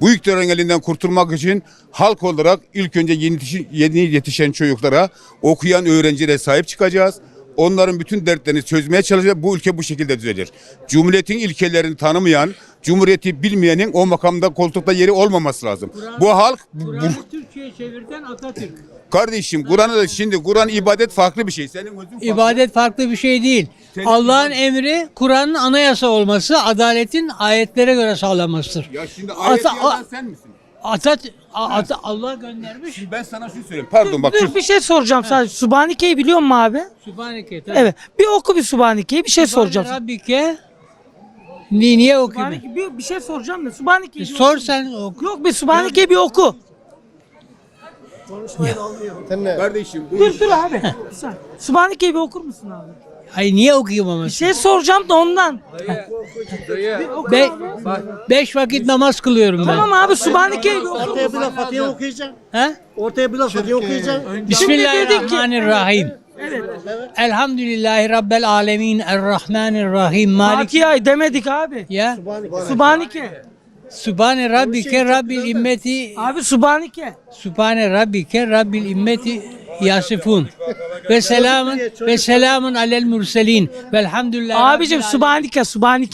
Bu iktidarın elinden kurtulmak için halk olarak ilk önce yeni yetişen çocuklara, okuyan öğrencilere sahip çıkacağız. Onların bütün dertlerini çözmeye çalışacağız. Bu ülke bu şekilde düzelir. Cumhuriyetin ilkelerini tanımayan, Cumhuriyeti bilmeyenin o makamda koltukta yeri olmaması lazım. Bu halk... Kur'an'ı Türkçe'ye çevirten Atatürk. Kardeşim Kur'an'ı da şimdi Kur'an ibadet farklı bir şey. Senin özün farklı. İbadet farklı bir şey değil. Senin Allah'ın emri Kur'an'ın anayasa olması, adaletin ayetlere göre sağlanmasıdır. Ya şimdi ayeti yazan sen misin? Allah göndermiş. Şimdi ben sana şunu söyleyeyim. Pardon bak. Dur bir şey soracağım sadece. Subhanike'yi biliyor musun abi? Sübhaneke. tabii. Evet. Bir oku bir Subhanike'yi bir şey soracağım. Rabbike. Niye okuyayım? Bir şey soracağım da Subhanike'yi bir Sor oku. sen oku. Yok bir Subhanike'yi bir oku. Kardeşim bu Dur abi. Bir saniye. Subhanike'yi bir okur musun abi? Ay niye okuyayım ama? Bir şey soracağım da ondan. Be- 5 vakit namaz kılıyorum ben. Tamam abi Subhanike'yi bir oku. Ortaya bir laf Fatiha okuyacaksın. He? Ortaya bir laf Fatiha okuyacaksın. Bismillahirrahmanirrahim. Elhamdülillahi Rabbil alemin. Errahmanirrahim. Malik. Fatiha'yı demedik abi. Ya. Subhanike. Sübhane Rabbike Rabbil immeti. Abi Subhanike. Sübhane Rabbike Rabbil immeti yasifun. Ve selamun alel murselin. Velhamdülillahi. Abicim Subhanike.